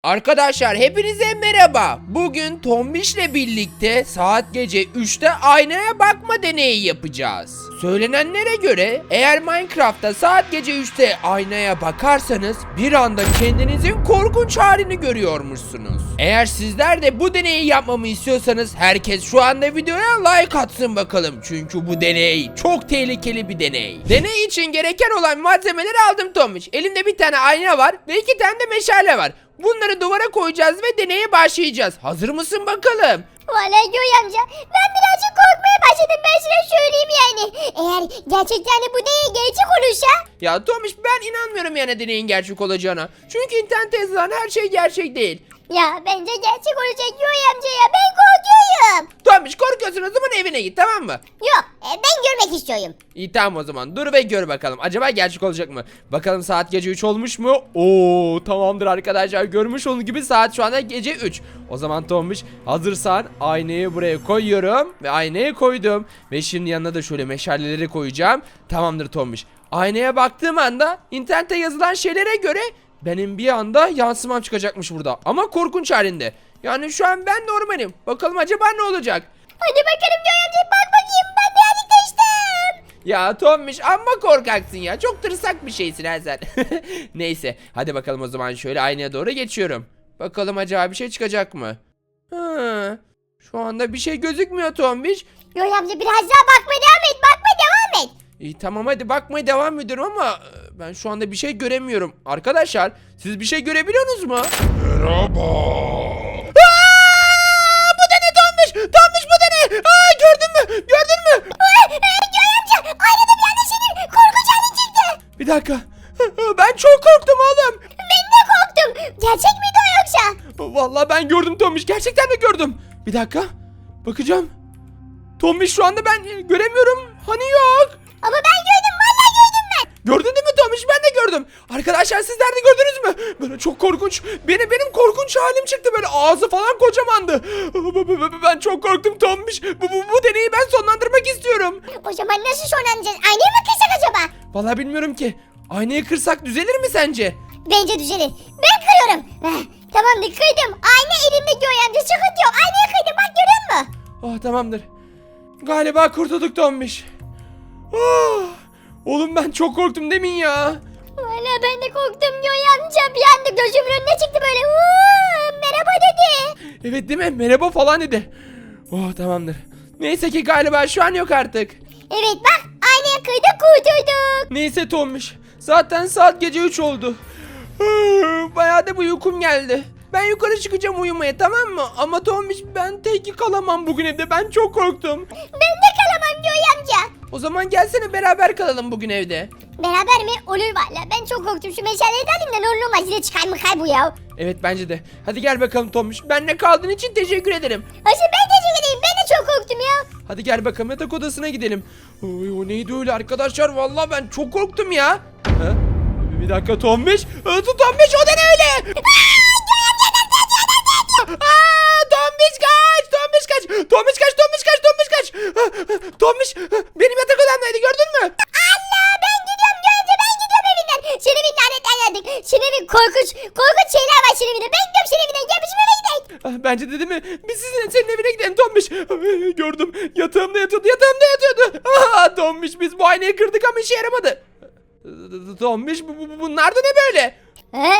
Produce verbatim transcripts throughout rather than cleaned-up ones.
Arkadaşlar hepinize merhaba. Bugün Tombiş'le birlikte saat gece üçte aynaya bakma deneyi yapacağız. Söylenenlere göre eğer Minecraft'ta saat gece üçte aynaya bakarsanız bir anda kendinizin korkunç halini görüyormuşsunuz. Eğer sizler de bu deneyi yapmamı istiyorsanız herkes şu anda videoya like atsın bakalım. Çünkü bu deney çok tehlikeli bir deney. Deney için gereken olan malzemeleri aldım Tombiş. Elimde bir tane ayna var ve iki tane de meşale var. Bunları duvara koyacağız ve deneye başlayacağız. Hazır mısın bakalım? Vallahi Göğe amca ben birazcık korkmaya başladım, ben sana söyleyeyim yani. Eğer gerçekten de bu deney gerçek olursa. Ya Tomiş, ben inanmıyorum yani deneyin gerçek olacağına. Çünkü internette yazılan her şey gerçek değil. Ya bence gerçek olacak Göğe amca ya, ben korkuyorum. Tomiş, korkuyorsun, o zaman evine git, tamam mı? Yok e, ben görmek istiyorum. İyi, tamam, o zaman dur ve gör bakalım. Acaba gerçek olacak mı? Bakalım saat gece üç olmuş mu? Oo, tamamdır arkadaşlar, görmüş olduğunuz gibi saat şu anda gece üç. O zaman Tomiş, hazırsan aynayı buraya koyuyorum ve aynaya koydum. Ve şimdi yanına da şöyle meşaleleri koyacağım. Tamamdır Tomiş. Aynaya baktığım anda internette yazılan şeylere göre benim bir anda yansımam çıkacakmış burada. Ama korkunç halinde. Yani şu an ben normalim. Bakalım acaba ne olacak? Hadi bakalım Göğe amca, bak bakayım, ben birazcık değiştim. Ya Tommiş, amma korkaksın ya. Çok tırsak bir şeysin ha sen. Neyse, hadi bakalım o zaman şöyle aynaya doğru geçiyorum. Bakalım acaba bir şey çıkacak mı? Hı, şu anda bir şey gözükmüyor Tommiş. Göğe amca biraz daha bakmaya devam et, bakmaya devam et. İyi, tamam, hadi bakmaya devam ediyorum ama e, ben şu anda bir şey göremiyorum. Arkadaşlar, siz bir şey görebiliyorsunuz mu? Merhaba. Aa, bu da ne Tommiş? Tommiş, bu da ne? Aa, gördün mü? Gördün mü? Ee, e, Göğe amca aynada bir anda senin korkunç halin çıktı. Bir dakika. Ben çok korktum oğlum. Ben de korktum. Gerçek miydi o yoksa? Vallahi ben gördüm Tombiş. Gerçekten de gördüm. Bir dakika. Bakacağım. Tombiş, şu anda ben göremiyorum. Hani yok. Ama ben gördüm, vallahi gördüm ben. Gördün değil mi Tombiş? Ben de gördüm. Arkadaşlar, sizler de gördünüz mü? Böyle çok korkunç. Benim benim korkunç halim çıktı. Böyle ağzı falan kocamandı. Ben çok korktum Tombiş. Bu, bu, bu deneyi ben sonlandırmak istiyorum. O zaman nasıl sonlanacağız? Aynaya mı kırsak acaba? Vallahi bilmiyorum ki. Aynayı kırsak düzelir mi sence? Bence düzelir. Ben kırıyorum. Eh, tamamdır, kırdım. Ayna elimde Göğe amca, sıkıntı yok. Aynaya kırdım, bak görüyor musun? Oh, tamamdır. Galiba kurtulduk Tombiş. Oh, oğlum ben çok korktum demin ya. Valla ben de korktum Göğe amca. Bir anda gözümün önüne çıktı böyle. Uuu, merhaba dedi. Evet, değil mi? Merhaba falan dedi. Oh, tamamdır. Neyse ki galiba şu an yok artık. Evet bak, aynaya kırdık, kurtulduk. Neyse Tombiş. Zaten saat gece üç oldu. Bayağı da bir uykum geldi. Ben yukarı çıkacağım uyumaya, tamam mı? Ama Tombiş, ben tek kalamam bugün evde. Ben çok korktum. Ben de kalamam Göğe amca. O zaman gelsene beraber kalalım bugün evde. Beraber mi? Olur valla. Ben çok korktum. Şu meşaleyi de alayım da ne olur olmaz. Yine çıkar mı kay bu ya. Evet, bence de. Hadi gel bakalım Tombiş. Benle kaldığın için teşekkür ederim. Ayşe ben teşekkür edeyim. Ben de çok korktum ya. Hadi gel bakalım, yatak odasına gidelim. Oy, o neydi öyle arkadaşlar? Vallahi ben çok korktum ya. Ha? Bir dakika Tombiş. Aa, Tombiş, o da ne öyle? Aa, Tombiş kaç! Tombiş kaç! Tombiş kaç! Tombiş kaç! Tombiş kaç! Tombiş benim yatak odamdaydı, gördün mü? Allah, ben gidiyorum Göğe amca, ben gidiyorum evinden. Senin evin lanetten geldik. Senin evin korkunç, korkunç şeyler var senin evinde. Ben gidiyorum senin evinden. Gel bizim eve gidelim. Ah, bence de değil mi? Biz sizin, senin evine gidelim Tombiş. Ay, gördüm. Yatağımda yatıyordu. Yatağımda yatıyordu. Aa, Tombiş, biz bu aynayı kırdık ama işe yaramadı. Tombiş, bu, bu, bunlar da ne böyle? He?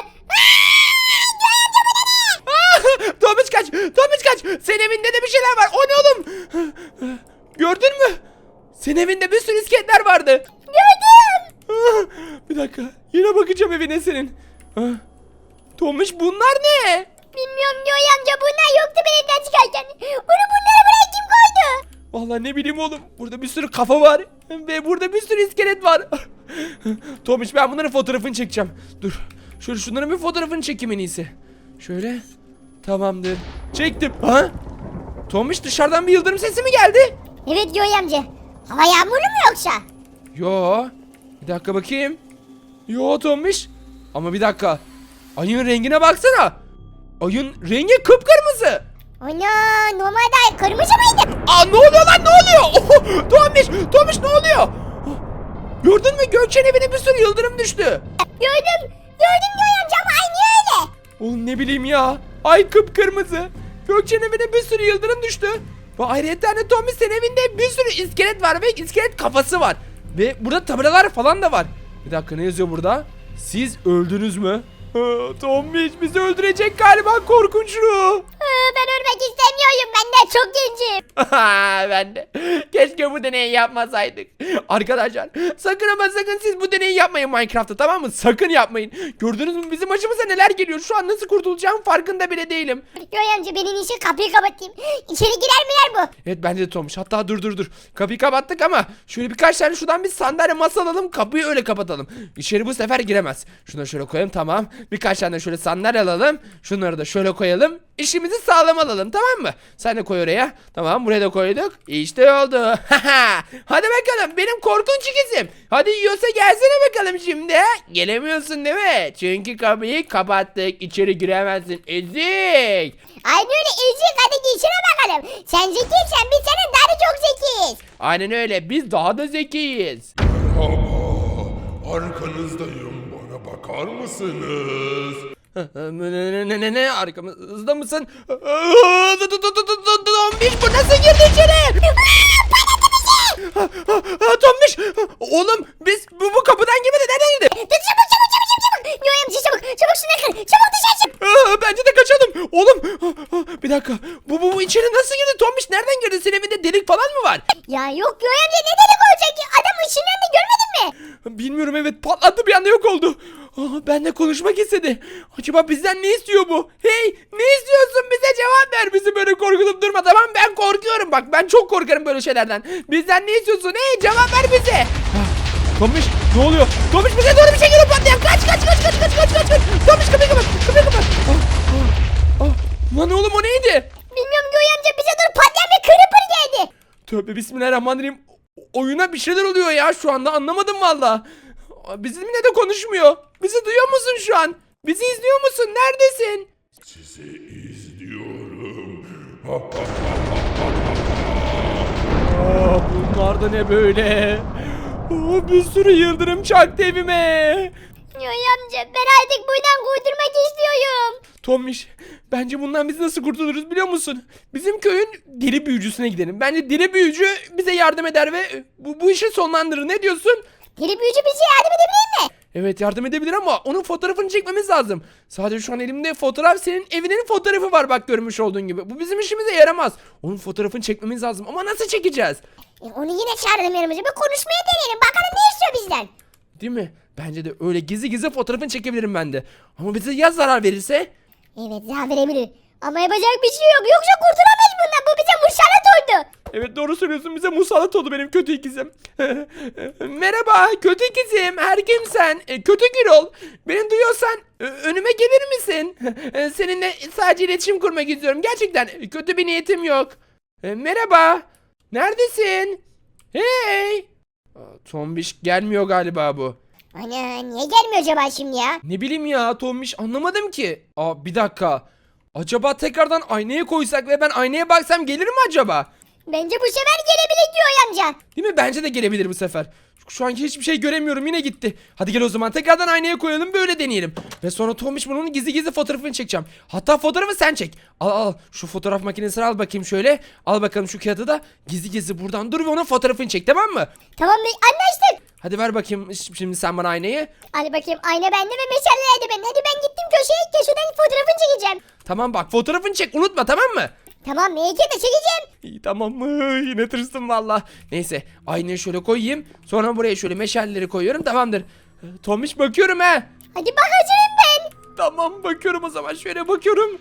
Tomuç kaç! Tomuç kaç! Senin evinde de bir şeyler var. O ne oğlum? Gördün mü? Senin evinde bir sürü iskeletler vardı. Gördüm. Bir dakika. Yine bakacağım evine senin. Tomuç, bunlar ne? Bilmiyorum Göğe amca, bunlar yoktu ben evden çıkarken. Bunu bunları buraya kim koydu? Vallahi ne bileyim oğlum. Burada bir sürü kafa var. Ve burada bir sürü iskelet var. Tomuç, ben bunların fotoğrafını çekeceğim. Dur. Şöyle şunların bir fotoğrafını çekeyim en iyisi. Şöyle. Tamamdır. Çektim. Ha? Tomuç, dışarıdan bir yıldırım sesi mi geldi? Evet Göğe amca. Hava yağmurlu mu yoksa? Yo. Bir dakika bakayım. Yo Tomuç. Ama bir dakika. Ayın rengine baksana. Ayın rengi kıpkırmızı. Ana, normalde kırmızı mıydı? Aa, ne oluyor lan, ne oluyor? Oh, Tomuç, Tomuç, ne oluyor? Oh, gördün mü, Gökçe'nin evine bir sürü yıldırım düştü. Gördüm. Gördüm Göğe amca ama aynı öyle. Oğlum ne bileyim ya. Ay kıpkırmızı. Gökçe'nin evine bir sürü yıldırım düştü. Ve ayrıca de Tommy senin evinde bir sürü iskelet var ve iskelet kafası var. Ve burada tabelalar falan da var. Bir dakika ne yazıyor burada? Siz öldünüz mü? Tommy bizi öldürecek galiba, korkunçlu. Ben ölmek istemiyorum. Ben de çok gencim. Ben de. Keşke bu deneyi yapmasaydık. Arkadaşlar sakın ama sakın siz bu deneyi yapmayın Minecraft'ta, tamam mı? Sakın yapmayın. Gördünüz mü bizim başımıza neler geliyor? Şu an nasıl kurtulacağım farkında bile değilim. Yoy amca benim işi kapıyı kapatayım. İçeri girer mi yer bu? Evet bence de Tomuş. Hatta dur dur dur. Kapıyı kapattık ama şöyle birkaç tane şuradan bir sandalye masa alalım. Kapıyı öyle kapatalım. İçeri bu sefer giremez. Şunu şöyle koyalım, tamam. Birkaç tane şöyle sandalye alalım. Şunları da şöyle koyalım. İşimizi sağlam alalım, tamam mı? Sen de koy oraya. Tamam, buraya da koyduk. İşte oldu. Hadi bakalım benim korkunç ikizim. Hadi yiyorsa gelsene bakalım şimdi. Gelemiyorsun değil mi? Çünkü kapıyı kapattık. İçeri giremezsin. Ezik. Aynen öyle ezik, hadi geçine bakalım. Sen zekiysen biz senin daha da çok zekiyiz. Aynen öyle. Biz daha da zekiyiz. Merhaba, arkanızdayım. Bana bakar mısınız? Ne ne ne ne arkamızda mısın? Tombiş bu nasıl girdi içeri? Tombiş oğlum biz bu, bu kapıdan girmedi, nereden girdi? Dur çabuk çabuk çabuk çabuk çabuk. Yoy amca çabuk çabuk şuna kır. Çabuk dışarı çık. Bence de kaçalım. Oğlum bir dakika, bu, bu, bu içeri nasıl girdi? Tombiş nereden girdi? Senin evinde delik falan mı var? Ya yok Yoy amca, ne dedik olacak ki? Adam ışınlarını görmedin mi? Bilmiyorum, evet patlattı bir anda, yok oldu. Aa, benimle konuşmak istedi. Acaba bizden ne istiyor bu? Hey, ne istiyorsun, bize cevap ver. Bizi böyle korkutup durma, tamam? Ben korkuyorum, bak ben çok korkarım böyle şeylerden. Bizden ne istiyorsun? Hey, cevap ver bize. Tomiş ne oluyor? Tomiş bize doğru bir şey geliyor, patlayan. Kaç kaç kaç kaç kaç kaç kaç kaç. Tomiş kapıyı kapat, kapıyı kapat. Ah, ah, ah. Lan oğlum o neydi? Bilmiyorum Yoy amca, bize dur patlayan bir creeper geldi. Tövbe bismillahirrahmanirrahim. Oyuna bir şeyler oluyor ya, şu anda anlamadım valla. Bizimle de konuşmuyor. Bizi duyuyor musun şu an? Bizi izliyor musun? Neredesin? Sizi izliyorum. Aa, bunlar da ne böyle? Aa, bir sürü yıldırım çaktı evime. Yoy amca ben artık buradan kurtulmak istiyorum. Tommiş, bence bundan biz nasıl kurtuluruz biliyor musun? Bizim köyün deli büyücüsüne gidelim. Bence deli büyücü bize yardım eder ve bu, bu işi sonlandırır. Ne diyorsun? Deli büyücü bize yardım edebilir mi? Evet yardım edebilir ama onun fotoğrafını çekmemiz lazım. Sadece şu an elimde fotoğraf, senin evinin fotoğrafı var bak, görmüş olduğun gibi. Bu bizim işimize yaramaz. Onun fotoğrafını çekmemiz lazım ama nasıl çekeceğiz? E, onu yine çağıralım yanımıza, bir konuşmaya deneyelim. Bakalım ne istiyor bizden. Değil mi? Bence de öyle gizli gizli fotoğrafını çekebilirim ben de. Ama bize ya zarar verirse? Evet zarar verebilir. Ama yapacak bir şey yok. Yoksa kurtulamayız bundan. Bu bize musallat oldu. Evet doğru söylüyorsun, bize musallat oldu benim kötü ikizim. Merhaba kötü ikizim, her kimsen, e, kötü Gürol. Beni duyuyorsan e, önüme gelir misin? E, Seninle sadece iletişim kurmak istiyorum, gerçekten e, kötü bir niyetim yok. E, Merhaba, neredesin? Hey. Aa, Tombiş gelmiyor galiba bu. Ana niye gelmiyor acaba şimdi ya? Ne bileyim ya Tombiş, anlamadım ki. Aa bir dakika. Acaba tekrardan aynaya koysak ve ben aynaya baksam gelir mi acaba? Bence bu sefer gelebilir diyor amca. Değil mi? Bence de gelebilir bu sefer. Şu anki hiçbir şey göremiyorum, yine gitti. Hadi gel o zaman tekrardan aynaya koyalım, böyle deneyelim. Ve sonra Tomiş bunun gizli gizli fotoğrafını çekeceğim. Hatta fotoğrafı sen çek. Al al şu fotoğraf makinesini al bakayım şöyle. Al bakalım şu kağıdı da gizli gizli buradan dur ve onun fotoğrafını çek, tamam mı? Tamam bey, anlaştık. Hadi ver bakayım şimdi sen bana aynayı. Hadi bakayım, ayna bende ve meşaleler de bende. Hadi ben gittim köşeye, köşeden fotoğrafını çekeceğim. Tamam bak, fotoğrafını çek, unutma, tamam mı? Tamam meleke de çekeceğim. İyi tamam mı? Yine tırstım valla. Neyse aynayı şöyle koyayım. Sonra buraya şöyle meşaleleri koyuyorum, tamamdır. Tomiş bakıyorum ha. Hadi bak, hazırım ben. Tamam bakıyorum o zaman, şöyle bakıyorum.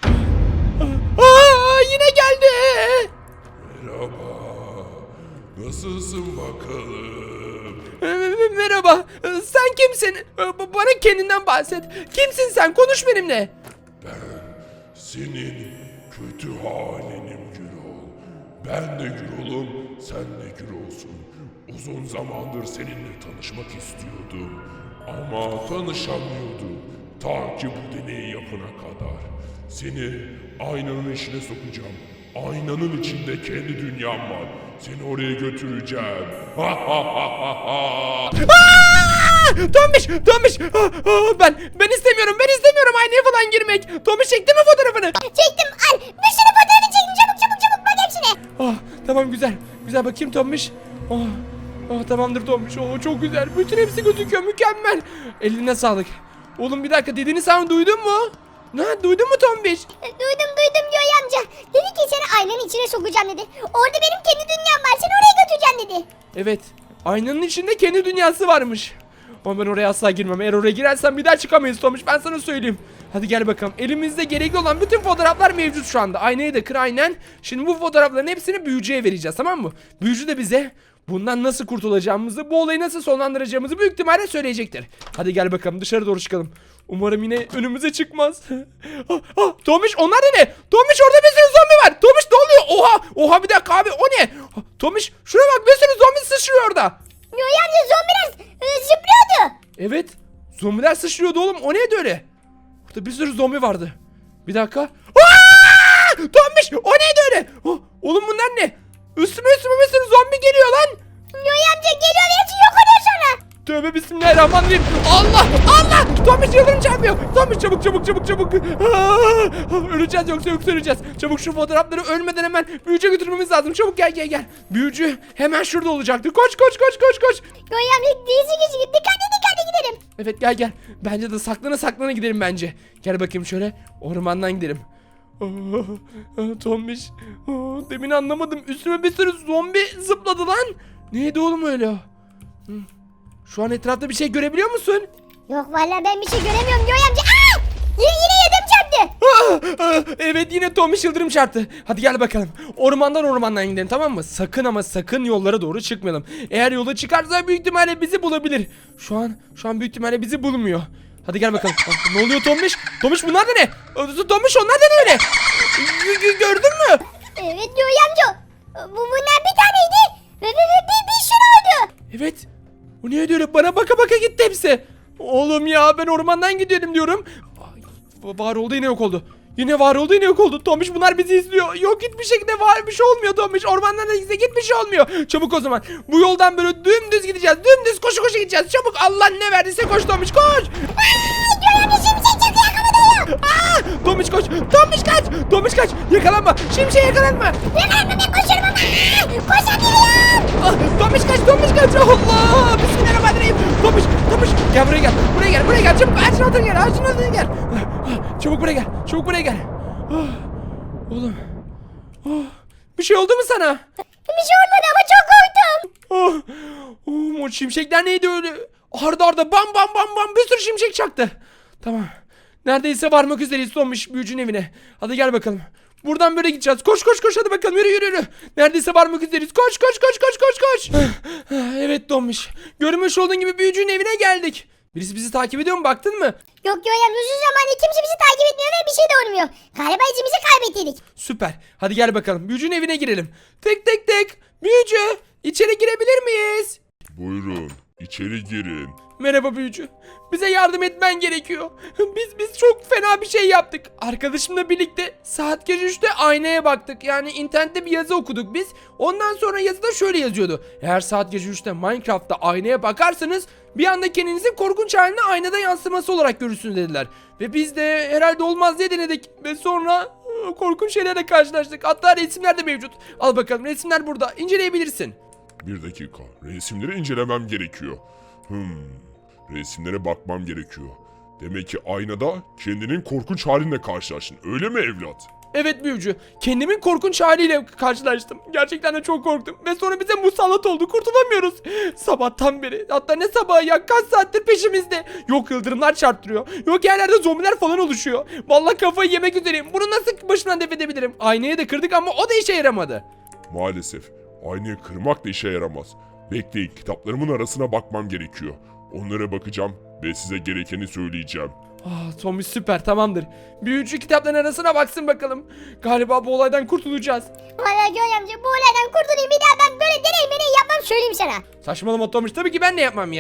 Aa, yine geldi. Merhaba. Nasılsın bakalım? Ee, Merhaba. Ee, Sen kimsin? Ee, Bana kendinden bahset. Kimsin sen? Konuş benimle. Senin kötü halinim Gürol. Ben de Gürol'um, sen de Gürol'sun. Uzun zamandır seninle tanışmak istiyordum. Ama tanışamıyordum. Ta ki bu deneyi yapana kadar. Seni aynanın içine sokacağım. Aynanın içinde kendi dünyam var. Seni oraya götüreceğim. Ha ha ha ha ha. Aa! Tombiş, Tombiş. Aa, aa, ben ben istemiyorum. Ben istemiyorum aynaya falan girmek. Tombiş çekti mi fotoğrafını? Çektim al. Bir sürü fotoğrafını çektim. Çabuk çabuk çabuk bak hepsine. Ah, tamam güzel. Güzel bakayım Tombiş. Oh, oh, tamamdır Tombiş. Oh, çok güzel. Bütün hepsi gözüküyor. Mükemmel. Eline sağlık. Oğlum bir dakika dediğini sen duydun mu? Ne duydun mu Tombiş? E, Duydum duydum Yoy amca. Dedi ki seni aynanın içine sokacağım dedi. Orada benim kendi dünyam var. Seni oraya götüreceğim dedi. Evet. Aynanın içinde kendi dünyası varmış. Ama ben oraya asla girmem. Eğer oraya girersen bir daha çıkamayız Tombiş. Ben sana söyleyeyim. Hadi gel bakalım. Elimizde gerekli olan bütün fotoğraflar mevcut şu anda. Aynayı da kır aynen. Şimdi bu fotoğrafların hepsini büyücüye vereceğiz, tamam mı? Büyücü de bize bundan nasıl kurtulacağımızı, bu olayı nasıl sonlandıracağımızı büyük ihtimalle söyleyecektir. Hadi gel bakalım dışarı doğru çıkalım. Umarım yine önümüze çıkmaz. ah, ah, Tomiş onlar da ne? Tomiş orada bir sürü zombi var. Tomiş ne oluyor? Oha oha bir dakika abi o ne? Ah, Tomiş şuraya bak bir sürü zombi sıçrıyor orada. Yoy amca zombiler e, zıplıyordu. Evet zombiler sıçrıyordu oğlum o neydi öyle? Burada bir sürü zombi vardı. Bir dakika. Aa! Tomiş o neydi öyle? Oh, oğlum bunlar ne? Üstüme üstüme bir sürü zombi geliyor lan. Yoy amca geliyor ve hepsi yok oluyor sonra. Tövbe bismillahirrahmanirrahim. Allah Allah. Tomiş yıldırım çarpıyor. Tomiş çabuk çabuk çabuk çabuk. Aa, öleceğiz yoksa yoksa öleceğiz. Çabuk şu fotoğrafları ölmeden hemen büyücüye götürmemiz lazım. Çabuk gel gel gel. Büyücü hemen şurada olacaktı. Koş koş koş koş koş. Yoy amca dizi gizli dikkatli dikkatli gidelim. Evet gel gel. Bence de saklana saklana gidelim bence. Gel bakayım şöyle ormandan gidelim. Aa, Tombiş. Aa, demin anlamadım. Üstüme bir sürü zombi zıpladı lan. Neydi oğlum öyle? Hı. Şu an etrafta bir şey görebiliyor musun? Yok vallahi ben bir şey göremiyorum Yoy amca. Aa! Yine, yine yedim çarptı. Aa, aa, evet yine Tombiş yıldırım çarptı. Hadi gel bakalım. Ormandan ormandan gidelim tamam mı? Sakın ama sakın yollara doğru çıkmayalım. Eğer yola çıkarsa büyük ihtimalle bizi bulabilir. Şu an şu an büyük ihtimalle bizi bulmuyor. Hadi gel bakalım. Aa, ne oluyor Tombiş? Tombiş bunlar da ne? Aa, Tombiş onlar da ne öyle? G- g- Gördün mü? Evet Yoy amca. Bu bunlar bir taneydi. Ve, ve, ve bir, bir sürü oldu. Evet. Bu niye öyle? Bana baka baka gitti hepsi. Oğlum ya ben ormandan gidiyorum diyorum. Ay, var oldu yine yok oldu. Yine var oldu yine yok oldu. Tomiş bunlar bizi izliyor. Yok hiçbir şekilde var bir şey olmuyor Tomiş. Ormandan da gitse hiçbir şey olmuyor. Çabuk o zaman. Bu yoldan böyle dümdüz gideceğiz. Dümdüz koşu koşu gideceğiz. Çabuk Allah ne verdiyse koş Tomiş koş. Yoy amca şimşek çaktı yakaladıyor. Aa, Tomiş koş. Tomiş kaç. Tomiş kaç. Yakalanma. Şimşek yakalanma. Yakalanma ben koşuyorum ama. Koşamıyorum. Ah, Tomiş kaç. Tomiş kaç. Allah. Bismillahirrahmanirrahim. Tomiş. Tomiş. Gel buraya gel. Buraya gel. Buraya gel. Çabuk ağacın altına gel. Ağacın altına gel. Ah, ah, Çabuk buraya gel. Çabuk buraya gel. Ah, oğlum. Ah, bir şey oldu mu sana? Bir şey olmadı ama çok korktum. Ah, oh, o şimşekler neydi öyle? Arda arda bam bam bam bam bir sürü şimşek çaktı. Tamam. Neredeyse varmak üzereyiz Tomiş büyücünün evine. Hadi gel bakalım. Buradan böyle gideceğiz. Koş koş koş hadi bakalım yürü yürü yürü. Neredeyse varmak üzereyiz. Koş koş koş koş koş koş. Evet Tomiş. Görmüş olduğun gibi büyücünün evine geldik. Birisi bizi takip ediyor mu baktın mı? Yok Yoy amca uzun zamandır kimse bizi takip etmiyor ve bir şey de olmuyor. Galiba izimizi kaybettik. Süper. Hadi gel bakalım. Büyücünün evine girelim. Tek tek tek. Büyücü. İçeri girebilir miyiz? Buyurun, içeri girin. Merhaba büyücü. Bize yardım etmen gerekiyor. Biz biz çok fena bir şey yaptık. Arkadaşımla birlikte saat gece üçte aynaya baktık. Yani internette bir yazı okuduk biz. Ondan sonra yazıda şöyle yazıyordu. Eğer saat gece üçte Minecraft'ta aynaya bakarsanız bir anda kendinizin korkunç halini aynada yansıması olarak görürsünüz dediler. Ve biz de herhalde olmaz diye denedik. Ve sonra ıı, korkunç şeylerle karşılaştık. Hatta resimler de mevcut. Al bakalım resimler burada. İnceleyebilirsin. Bir dakika, resimleri incelemem gerekiyor. Hmm, resimlere bakmam gerekiyor. Demek ki aynada kendinin korkunç halinle karşılaştın, öyle mi evlat? Evet büyücü. Kendimin korkunç haliyle karşılaştım. Gerçekten de çok korktum. Ve sonra bize musallat oldu. Kurtulamıyoruz. Sabahtan beri. Hatta ne sabahı ya kaç saattir peşimizde. Yok yıldırımlar çarptırıyor. Yok yerlerde zombiler falan oluşuyor. Vallahi kafayı yemek üzereyim. Bunu nasıl başımdan def edebilirim? Aynayı da kırdık ama o da işe yaramadı. Maalesef, aynayı kırmak da işe yaramaz. Bekleyin, kitaplarımın arasına bakmam gerekiyor. Onlara bakacağım ve size gerekeni söyleyeceğim. Ah Tommy süper tamamdır. Büyücü kitapların arasına baksın bakalım. Galiba bu olaydan kurtulacağız. Valla Yoy amca bu olaydan kurtulayım bir daha ben böyle deney meney yapmam söyleyeyim sana. Saçmalama Tommy tabii ki ben de yapmam ya.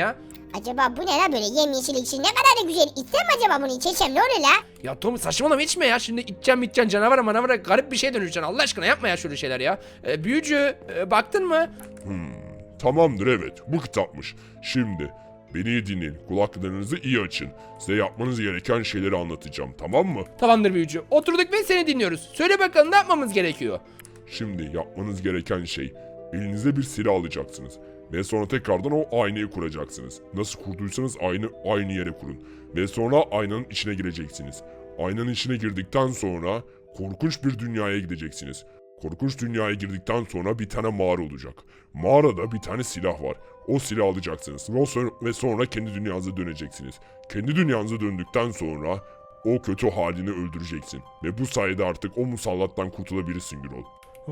Acaba bu ne la böyle yemyeşil ekşi ne kadar da güzel. İçsem mi acaba bunu içeceğim ne olur la? Ya Tom saçmalama içme ya. Şimdi içeceğim içeceğim canavara manavara garip bir şey dönüşeceksin. Allah aşkına yapma ya şöyle şeyler ya. Ee, büyücü e, baktın mı? Tamamdır, evet, bu kitapmış. Şimdi beni iyi dinleyin, kulaklarınızı iyi açın. Size yapmanız gereken şeyleri anlatacağım, tamam mı? Tamamdır büyücü. Oturduk ve seni dinliyoruz. Söyle bakalım ne yapmamız gerekiyor? Şimdi yapmanız gereken şey, elinize bir silah alacaksınız. Ve sonra tekrardan o aynayı kuracaksınız. Nasıl kurduysanız aynı aynı yere kurun. Ve sonra aynanın içine gireceksiniz. Aynanın içine girdikten sonra korkunç bir dünyaya gideceksiniz. Korkunç dünyaya girdikten sonra bir tane mağara olacak. Mağarada bir tane silah var. O silahı alacaksınız ve sonra, ve sonra kendi dünyanıza döneceksiniz. Kendi dünyanıza döndükten sonra o kötü halini öldüreceksin. Ve bu sayede artık o musallattan kurtulabilirsin Gürol.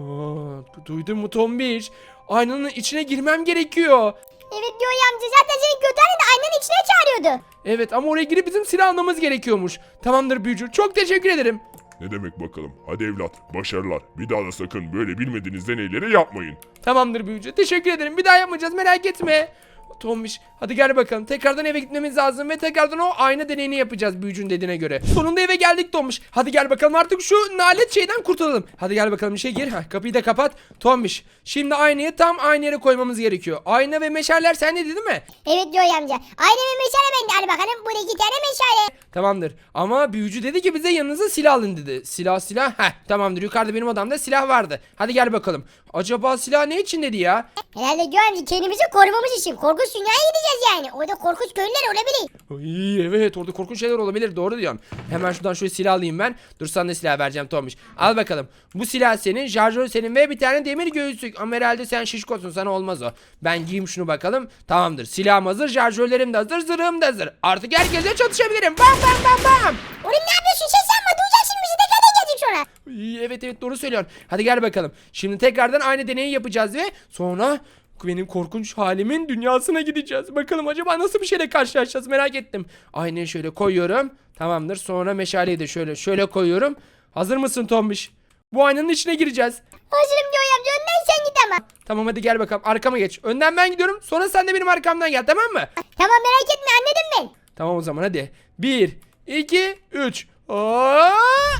Aa, duydun mu Tombiş? Aynanın içine girmem gerekiyor. Evet diyor ya amca zaten senin kötü halini de aynanın içine çağırıyordu. Evet ama oraya girip bizim silah almamız gerekiyormuş. Tamamdır büyücü. Çok teşekkür ederim. Ne demek bakalım? Hadi evlat, başarılar. Bir daha da sakın böyle bilmediğiniz deneyleri yapmayın. Tamamdır büyücü. Teşekkür ederim. Bir daha yapmayacağız merak etme. Tombiş hadi gel bakalım. Tekrardan eve gitmemiz lazım ve tekrardan o ayna deneyini yapacağız büyücünün dediğine göre. Sonunda eve geldik Tombiş. Hadi gel bakalım artık şu nalet şeyden kurtulalım. Hadi gel bakalım işe gir. Heh, kapıyı da kapat. Tombiş şimdi aynayı tam aynı yere koymamız gerekiyor. Ayna ve meşaller sende değil mi? Evet diyor ya amca. Aynı bir meşale bende hadi bakalım. Burada iki tane meşale. Tamamdır. Ama büyücü dedi ki bize yanınıza silah alın dedi. Silah silah. Heh tamamdır. Yukarıda benim odamda silah vardı. Hadi gel bakalım. Acaba silah ne için dedi ya? Herhalde diyor amca kendimizi korumamız için. Korkunç dünyaya gideceğiz yani. Orada korkunç köylüler olabilir. Ay, evet orada korkunç şeyler olabilir. Doğru diyorsun. Hemen şuradan şöyle silah alayım ben. Dur sana da silah vereceğim Tomiş. Al bakalım. Bu silah senin. Şarjör senin ve bir tane demir göğüslük. Ama herhalde sen şişkosun. Sana olmaz o. Ben giyeyim şunu bakalım. Tamamdır. Silahım hazır. Şarjörlerim de hazır. Zırhım da hazır. Artık herkese çatışabilirim. Bam bam bam bam. Oğlum ne yapıyorsun sen sanma. Duyacaksın bizi tekrardan gelecek sonra. Ay, evet evet doğru söylüyorsun. Hadi gel bakalım. Şimdi tekrardan aynı deneyi yapacağız ve sonra benim korkunç halimin dünyasına gideceğiz. Bakalım acaba nasıl bir şeyle karşılaşacağız merak ettim. Aynayı şöyle koyuyorum. Tamamdır. Sonra meşaleyi de şöyle şöyle koyuyorum. Hazır mısın Tombiş? Bu aynanın içine gireceğiz. Hazırım diyor ya amca. Önden sen git ama. Tamam hadi gel bakalım. Arkama geç. Önden ben gidiyorum. Sonra sen de benim arkamdan gel tamam mı? Tamam merak etme anladım ben. Tamam o zaman hadi. Bir, iki, üç. Aa!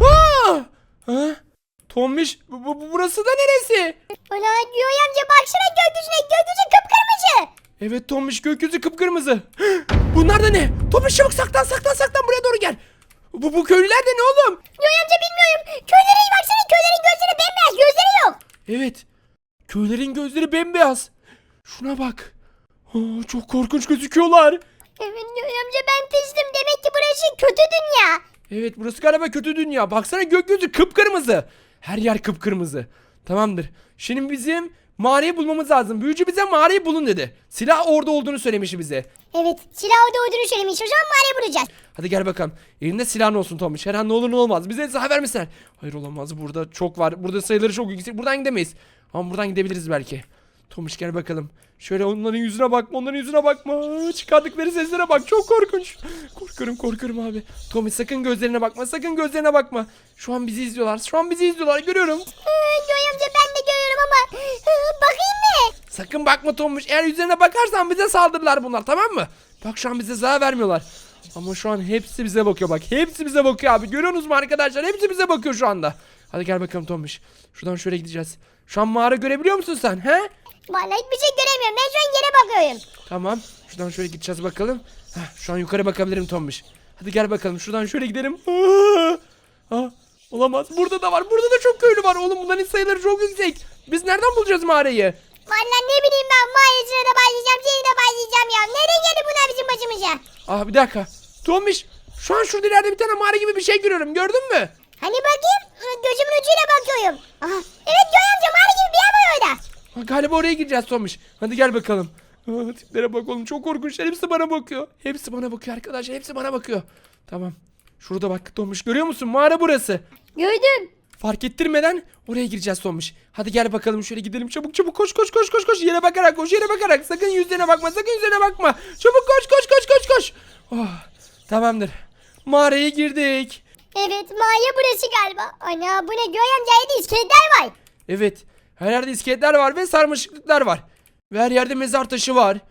Aa! Ha? Tombiş bu, bu- burası da neresi? Ana diyor ya amca baksana gökyüzüne. Gökyüzü kıpkırmızı. Evet Tombiş gökyüzü kıpkırmızı. Bunlar da ne? Tombiş çabuk saklan saklan saklan buraya doğru gel. Bu, bu köylüler de ne oğlum? Diyor ya amca bilmiyorum. Köylere baksana köylerin gözleri bembeyaz. Gözleri yok. Evet. Köylerin gözleri bembeyaz. Şuna bak. Aa, çok korkunç gözüküyorlar. Evet diyor ya amca ben piştim. Demek ki burası kötü dünya. Evet burası galiba kötü dünya. Baksana gökyüzü kıpkırmızı. Her yer kıpkırmızı. Tamamdır. Şimdi bizim mağarayı bulmamız lazım. Büyücü bize mağarayı bulun dedi. Silah orada olduğunu söylemişti bize. Evet silah orada olduğunu söylemiş. O zaman mağarayı bulacağız. Hadi gel bakalım. Elinde silahın olsun Tomiş. Her an ne olur ne olmaz. Bize silah vermesinler. Hayır olamaz. Burada çok var. Burada sayıları çok yüksek. Buradan gidemeyiz. Ama buradan gidebiliriz belki. Tomiş gel bakalım. Şöyle onların yüzüne bakma. Onların yüzüne bakma. Çıkardıkları seslere bak. Çok korkunç. Korkarım korkarım abi. Tomiş sakın gözlerine bakma. Sakın gözlerine bakma. Şu an bizi izliyorlar. Şu an bizi izliyorlar. Görüyorum. Ee, diyor ya amca ben de görüyorum ama. Ee, bakayım mı? Sakın bakma Tomiş. Eğer yüzlerine bakarsan bize saldırırlar bunlar. Tamam mı? Bak şu an bize zarar vermiyorlar. Ama şu an hepsi bize bakıyor bak. Hepsi bize bakıyor abi. Görüyorsunuz mu arkadaşlar? Hepsi bize bakıyor şu anda. Hadi gel bakalım Tomiş. Şuradan şöyle gideceğiz. Şu an mağara görebiliyor musun sen? He? Vallahi hiçbir şey göremiyorum. Ben şu an yere bakıyorum. Tamam. Şuradan şöyle gideceğiz bakalım. Heh, şu an yukarı bakabilirim Tomiş. Hadi gel bakalım. Şuradan şöyle gidelim. Aa, aa, olamaz. Burada da var. Burada da çok köylü var. Oğlum bunların sayıları çok yüksek. Biz nereden bulacağız mağarayı? Vallahi ne bileyim ben mağarasına da başlayacağım. Seni de başlayacağım ya. Nereden geldi bunlar bizim başımıza? Ah bir dakika. Tomiş. Şu an şurada ileride bir tane mağara gibi bir şey görüyorum. Gördün mü? Hani bakayım. Gözümün ucuyla bakıyorum. Aha, evet Göğe amca mağara gibi bir yer var orada. Ha, galiba oraya gireceğiz Tomiş. Hadi gel bakalım. Aa, tiplere bak oğlum çok korkunçlar. Hepsi bana bakıyor. Hepsi bana bakıyor arkadaşlar. Hepsi bana bakıyor. Tamam. Şurada bak Tomiş. Görüyor musun? Mağara burası. Gördüm. Fark ettirmeden oraya gireceğiz Tomiş. Hadi gel bakalım şöyle gidelim çabuk çabuk koş koş koş koş koş yere bakarak koş yere bakarak sakın yüzlerine bakma sakın yüzlerine bakma. Çabuk koş koş koş koş koş. Oh, tamamdır. Mağaraya girdik. Evet mağara burası galiba. Ana bu ne Göğe amca yedi iskeletler var. Evet. Her yerde iskeletler var ve sarmaşıklıklar var. Ve her yerde mezar taşı var.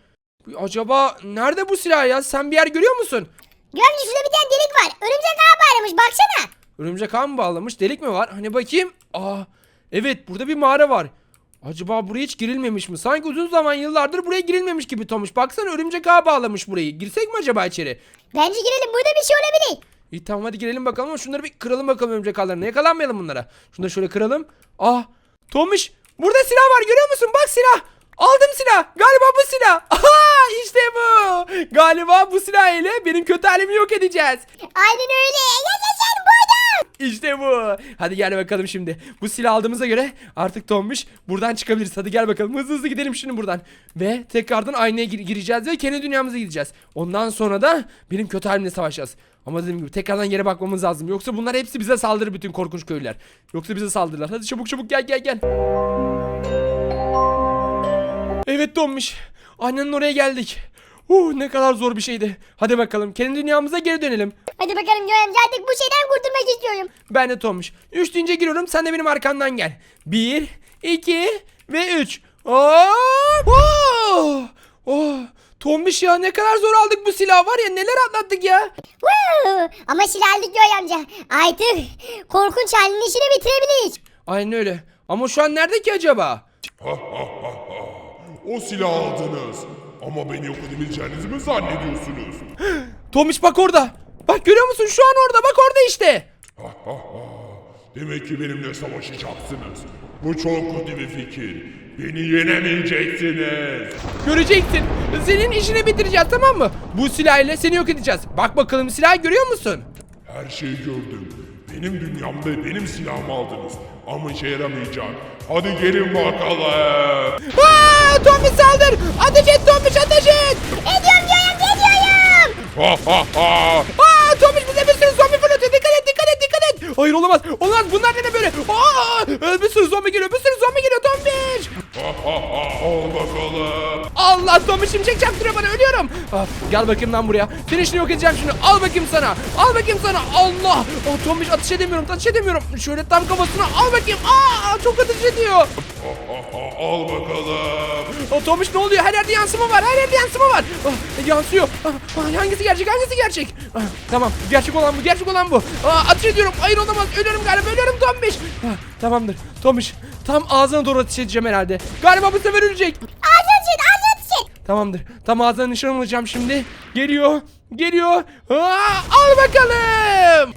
Acaba nerede bu silah ya? Sen bir yer görüyor musun? Gömce şurada bir tane delik var. Örümcek ağa bağlamış baksana. Örümcek ağ mı bağlamış? Delik mi var? Hani bakayım. Aa, evet burada bir mağara var. Acaba buraya hiç girilmemiş mi? Sanki uzun zaman yıllardır buraya girilmemiş gibi Tomuş. Baksana örümcek ağ bağlamış burayı. Girsek mi acaba içeri? Bence girelim burada bir şey olabilir. İyi tamam hadi girelim bakalım ama şunları bir kıralım bakalım örümcek ağlarına. Yakalanmayalım bunlara. Şunu da şöyle kıralım. Ah Tomuş burada silah var görüyor musun? Bak silah. Aldım silah. Galiba bu silah. Aha işte bu. Galiba bu silah ile benim kötü halimi yok edeceğiz. Aynen öyle. Yaşasın burada. İşte bu. Hadi gel bakalım şimdi. Bu silah aldığımıza göre artık Tombiş buradan çıkabiliriz. Hadi gel bakalım. Hızlı hızlı gidelim şimdi buradan. Ve tekrardan aynaya gir- gireceğiz ve kendi dünyamıza gideceğiz. Ondan sonra da benim kötü halimle savaşacağız. Ama dediğim gibi tekrardan yere bakmamız lazım. Yoksa bunlar hepsi bize saldırır bütün korkunç köylüler. Yoksa bize saldırırlar. Hadi çabuk çabuk gel gel gel. Evet Tombiş. Annenin oraya geldik. Uh, ne kadar zor bir şeydi. Hadi bakalım kendi dünyamıza geri dönelim. Hadi bakalım Gömce artık bu şeyden kurtulmak istiyorum. Ben de Tomuş. Üç deyince giriyorum sen de benim arkamdan gel. Bir, iki ve üç. Hop! Oh! Oh! Tomuş ya ne kadar zor aldık bu silahı var ya neler atlattık ya. Woo! Ama silah aldık Gömce. Artık korkunç halinin işini bitirebiliriz. Aynen öyle. Ama şu an nerede ki acaba? Ha ha ha ha. O silahı aldınız. Ama beni yok edebileceğinizi mi zannediyorsunuz? Tomuş bak orada. Bak görüyor musun şu an orada bak orada işte. Ha ha ha. Demek ki benimle savaşacaksınız. Bu çok kötü bir fikir. Beni yenemeyeceksiniz. Göreceksin. Senin işini bitireceğiz tamam mı? Bu silah ile seni yok edeceğiz. Bak bakalım silahı görüyor musun? Her şeyi gördüm. Benim dünyamda benim silahımı aldınız. Ama işe yaramayacak. Hadi gelin bakalım. Aa, Tomuş saldır. Ateş et Tomuş ateş et. Ediyorum Gömce ediyorum. Ha ha ha. Aa Tomuş bize bir sürü zombi fırlatıyor. Dikkat et dikkat et dikkat et. Hayır olamaz. Olamaz bunlar ne böyle? Aa, bir sürü zombi geliyor. Bir sürü zombi geliyor Tomuş. Ha ha ha. Al bakalım. Allah Tomuş şimşek çaktırıyor bana ölüyorum. Ah, gel bakayım lan buraya. Senin işini yok edeceğim şimdi. Al bakayım sana. Al bakayım sana. Allah. Oh, Tomuş ateş edemiyorum. Ateş edemiyorum. Şöyle tam kafasına al bakayım. Aa çok ateş ediyor. Ha ha ha. Al bakalım. Oh, Tomuş ne oluyor? Her yerde yansıma var. Her yerde yansıma var. Ah, yansıyor. Ah, ah, hangisi gerçek? Hangisi gerçek? Ah, tamam. Gerçek olan bu. Gerçek olan bu. Aa, ateş ediyorum. Hayır olamaz. Ölüyorum galiba. Ölüyorum Tomuş. Ah, tamamdır. Tomuş. Tam ağzına doğru ateş edeceğim herhalde. Galiba bu sefer ölecek. Ağzını çek ağzını çek. Tamamdır. Tam ağzına nişan alacağım şimdi. Geliyor. Geliyor. Aa, al bakalım.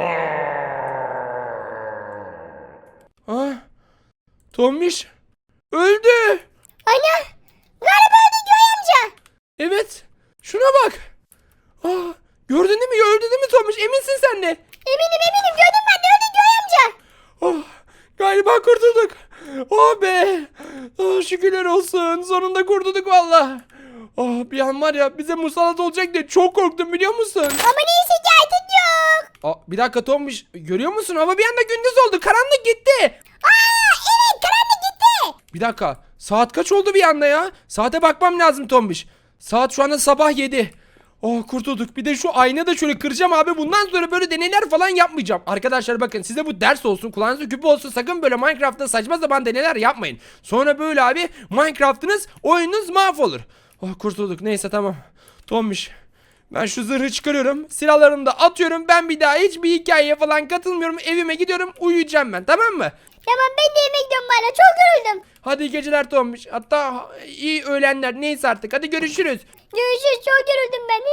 Ah, Tomuş. Öldü. Ana. Galiba öldü Gömce. Evet. Şuna bak. Ah, gördün değil mi? Öldü değil mi Tomuş? Eminsin sen de. Eminim eminim gördüm ben de öldü Gömce. Oh, galiba kurtulduk. Oh be. Oh, şükürler olsun. Sonunda kurtulduk valla. Oh, bir an var ya bize musallat olacak diye çok korktum biliyor musun? Ama neyse ki artık yok. Aa, bir dakika Tomuş. Görüyor musun? Hava bir anda gündüz oldu. Karanlık gitti. Aa evet karanlık gitti. Bir dakika. Saat kaç oldu bir anda ya? Saate bakmam lazım Tombiş. Saat şu anda sabah yedi. Oh kurtulduk. Bir de şu ayna da şöyle kıracağım abi. Bundan sonra böyle deneyler falan yapmayacağım. Arkadaşlar bakın size bu ders olsun. Kulağınızda küpe olsun. Sakın böyle Minecraft'ta saçma sapan deneyler yapmayın. Sonra böyle abi Minecraft'ınız oyununuz mahvolur. Oh kurtulduk. Neyse tamam. Tombiş. Ben şu zırhı çıkarıyorum. Silahlarımı da atıyorum. Ben bir daha hiçbir hikayeye falan katılmıyorum. Evime gidiyorum. Uyuyacağım ben. Tamam mı? Tamam ben de yemek yiyorum bana çok yoruldum. Hadi iyi geceler Tombiş. Hatta iyi öğlenler. Neyse artık. Hadi görüşürüz. Görüşürüz çok yoruldum ben.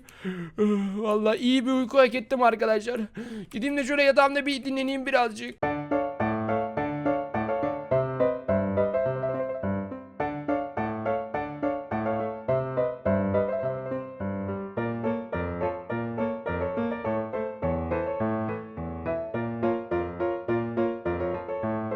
Vallahi iyi bir uyku hak ettim arkadaşlar. Gideyim de şöyle yatağımda bir dinleneyim birazcık.